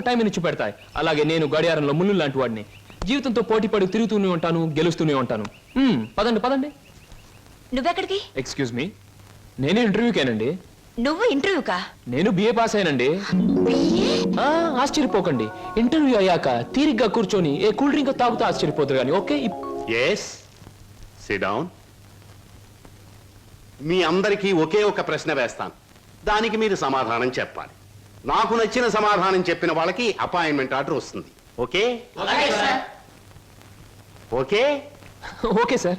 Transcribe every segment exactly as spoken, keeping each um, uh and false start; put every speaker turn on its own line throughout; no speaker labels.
ఒక టైం ఇచ్చి పెడతాయి. అలాగే నేను గడియారంలో ముళ్ళు లాంటి వాడిని. జీవితంతో పోటీ పడి తిరుగుతూనే ఉంటాను, గెలుస్తూనే ఉంటాను. పదండి పదండి.
నువ్వెక్కడికి?
ఎక్స్క్యూజ్ మీ, నేను ఇంటర్వ్యూకేనండి.
నువ్వు ఇంటర్వ్యూకా?
నేను బిఏ పాస్ అయినండి. ఆశ్చర్యపోకండి, ఇంటర్వ్యూ అయ్యాక తీరిగ్గా కూర్చొని ఏ కూల్ డ్రింక్ తాగుతూ ఆశ్చర్యపోతారు కానీ. Okay,
yes, sit down. మీ అందరికీ ఒకే ఒక ప్రశ్న వేస్తాను, దానికి మీరు సమాధానం చెప్పాలి. నాకు నచ్చిన సమాధానం చెప్పిన వాళ్ళకి అపాయింట్మెంట్ ఆర్డర్ వస్తుంది. Okay okay
okay sir.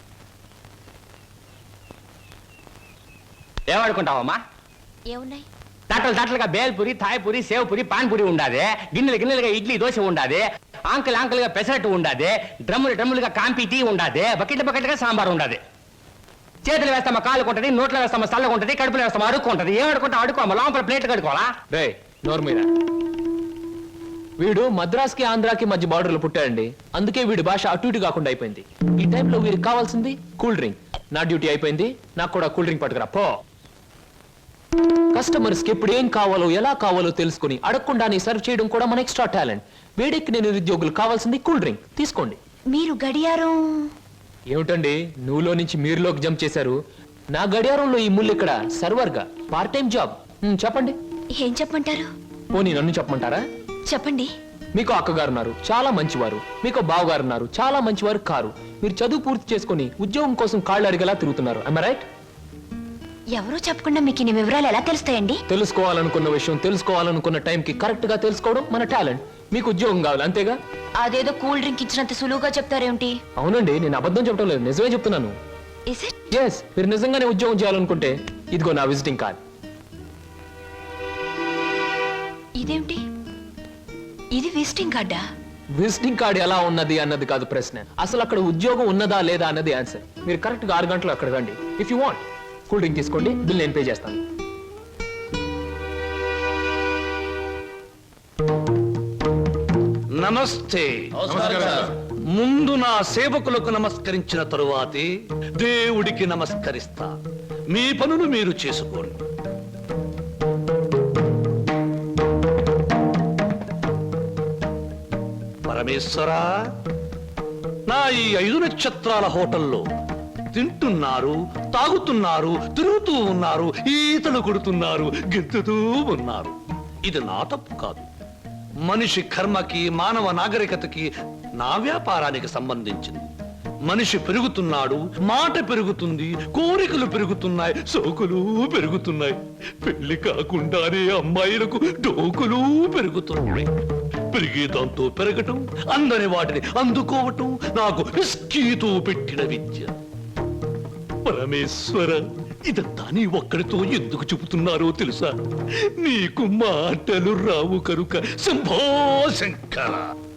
ఏమనుకుంటావమ్మా?
ఏమున్నాయి?
తట్టలు తట్టలుగా బేల్పూరి, థాయ్పూరి, సేవ్పూరి, పాన్పూరి ఉండాది. గిన్నెలు గిన్నెలుగా ఇడ్లీ దోశ ఉండాది. ఆంకలు ఆంకలుగా పెసరట్టు ఉండాది. డ్రమ్ములు డ్రమ్ములుగా కాంపి టీ ఉండాది. బకెట్ బకెట్గా సాంబార్ ఉండాది. చేతులు వేస్తామా కాళ్ళకు ఉంటుంది, నోట్లో వేస్తామా చల్లగా ఉంటుంది, కడుపులో వేస్తామా అడుక్కు ఉంటుంది. ఏమడుకుంటా అడుకోమా, లోపల ప్లేట్ కడుకోవాలా?
రే నోరు మీద. వీడు మద్రాస్కి ఆంధ్రాకి మధ్య బార్డర్లో పుట్టాడండి, అందుకే వీడి భాష అటు ఇటు కాకుండా అయిపోయింది. ఈ టైంలో వీరికి కావాల్సింది కూల్ డ్రింక్. నా డ్యూటీ అయిపోయింది, నాకు కూడా కూల్ డ్రింక్ పట్టుకురా పో. కస్టమర్స్ కి ఎప్పుడు ఏం కావాలో ఎలా కావాలో తెలుసుకుని అడగకుండానే సర్వ్ చేయడం కూడా మన ఎక్స్ట్రా టాలెంట్. వేడికి నేను నిరుద్యోగులు కావాల్సింది కూల్ డ్రింక్, తీసుకోండి.
మీరు గడియారం
ఏమిటండి నువ్వులో నుంచి మీరులోకి జంప్ చేశారు? నా గడియారంలో ఈ ముళ్ళు ఇక్కడ సర్వర్ గా పార్ట్ టైం జాబ్. చెప్పండి.
ఏం చెప్పమంటారు?
పోనీ నన్ను చెప్పమంటారా?
చెప్పండి.
మీకు అక్కగారు ఉన్నారు, చాలా మంచివారు. మీకు బావగారు ఉన్నారు, చాలా మంచివారు కారు. మీరు చదువు పూర్తి చేసుకుని ఉద్యోగం కోసం కాళ్ళు అడిగేలా తిరుగుతున్నారు. am I right?
ఎవరో చెప్పకుండా మీకు ఇన్ని వివరాలు ఎలా తెలుస్తాయండి?
తెలుసుకోవాలనుకున్న విషయం తెలుసుకోవాలనుకున్న టైంకి కరెక్ట్ గా తెలుసుకోవడం మన టాలెంట్. మీకు ఉద్యోగం కావాలి అంతేగా?
అదేదో కూల్ డ్రింక్ ఇచ్చినంత సులువుగా చెప్తారేమిటి?
అవునండి, నేను అబద్ధం చెప్పడం లేదు, నిజమే చెప్తున్నాను.
Is it?
ఎస్, మీరు నిజంగానే ఉద్యోగం చేయాలనుకుంటే ఇదిగో నా విజిటింగ్ కార్డ్.
ఇదేమిటి? ఇది విజిటింగ్ కార్డా?
విజిటింగ్ కార్డ్ ఎలా ఉన్నది అన్నది కాదు ప్రశ్న, అసలు అక్కడ ఉద్యోగం ఉన్నదా లేదా అన్నది ఆన్సర్. మీరు కరెక్ట్ గా ఆరు గంటలు అక్కడ రండి. If you want cool drink తీసుకోండి, బిల్ నేను పే చేస్తాను.
నమస్తే. ముందు నా సేవకులకు నమస్కరించిన తరువాతే దేవుడికి నమస్కరిస్తా. మీ పనులు మీరు చేసుకోండి. పరమేశ్వరా, నా ఈ ఐదు నక్షత్రాల హోటల్లో తింటున్నారు, తాగుతున్నారు, తిరుగుతూ ఉన్నారు, ఈతలు కొడుతున్నారు, గెంతుతూ ఉన్నారు. ఇది నా తప్పు కాదు. మనిషి కర్మకి, మానవ నాగరికతకి, నా వ్యాపారానికి సంబంధించింది. మనిషి పెరుగుతున్నాడు, మాట పెరుగుతుంది, కోరికలు పెరుగుతున్నాయి, సోకులు పెరుగుతున్నాయి. పెళ్లి కాకుండానే అమ్మాయిలకు డోకులు పెరుగుతున్నాయి. పెరిగే దాంతో పెరగటం, అందని వాటిని అందుకోవటం నాకు రిస్కీతో పెట్టిన విద్య. పరమేశ్వర, ఇదంతా నీ ఒక్కడితో ఎందుకు చెబుతున్నారో తెలుసా? నీకు మాటలు రావు కనుక. Shambho Shankara.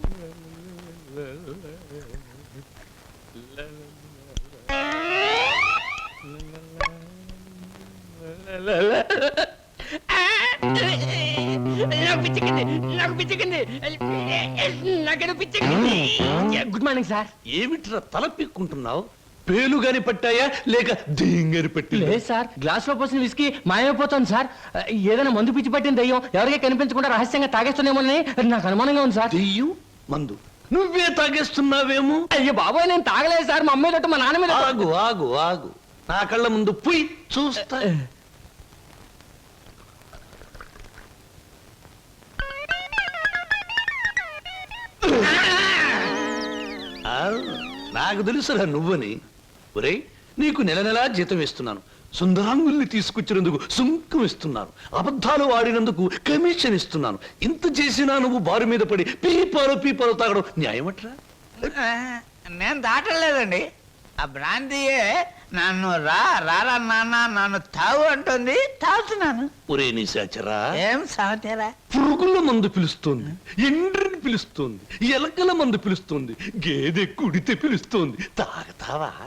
Good morning sir.
ఏమిట్రా తల పీక్కుంటున్నావు? పేలుగాని పట్టాయా లేక దింగని పట్టి?
లేదు సార్, గ్లాస్ లో పోసిన విస్కీ మాయమైపోతుంది సార్. ఏదైనా మందు పిచ్చి పట్టిన దయ్యం ఎవరికీ కనిపించకుండా రహస్యంగా తాగేస్తున్నామోనని నాకు అనుమానంగా ఉంది సార్.
దెయ్యం మందు నువ్వే తాగేస్తున్నావేమో?
అయ్యో బాబాయ్, నేను తాగలేదు సార్. మా అమ్మాయి తోటి మా నాన్న మీద.
ఆగు ఆగు ఆగు, నా కళ్ళ ముందు పుయ్ చూస్తా. నాకు తెలుసురా నువ్వని. ఒరే, నీకు నెల నెలా జీతం ఇస్తున్నాను, సుందరాంగుల్ని తీసుకొచ్చినందుకు సుంకం ఇస్తున్నాను, అబద్ధాలు ఆడినందుకు కమిషన్ ఇస్తున్నాను. ఇంత చేసినా నువ్వు బారు మీద పడి పీపాలో పీపాలో తాగడం న్యాయమట్రా?
నేను దాటలేదండి. ఆ బ్రాంతియే నన్ను రా రారా నాన్న నన్ను తాగు అంటుంది, తాగుతున్నాను.
ఒరే నిశాచరా,
ఏం సాగుతారా?
పురుగుల మందు పిలుస్తోంది, ఎండ్రిని పిలుస్తోంది, ఎలకల మందు పిలుస్తోంది, గేదె కుడితే పిలుస్తోంది. తాగతావా?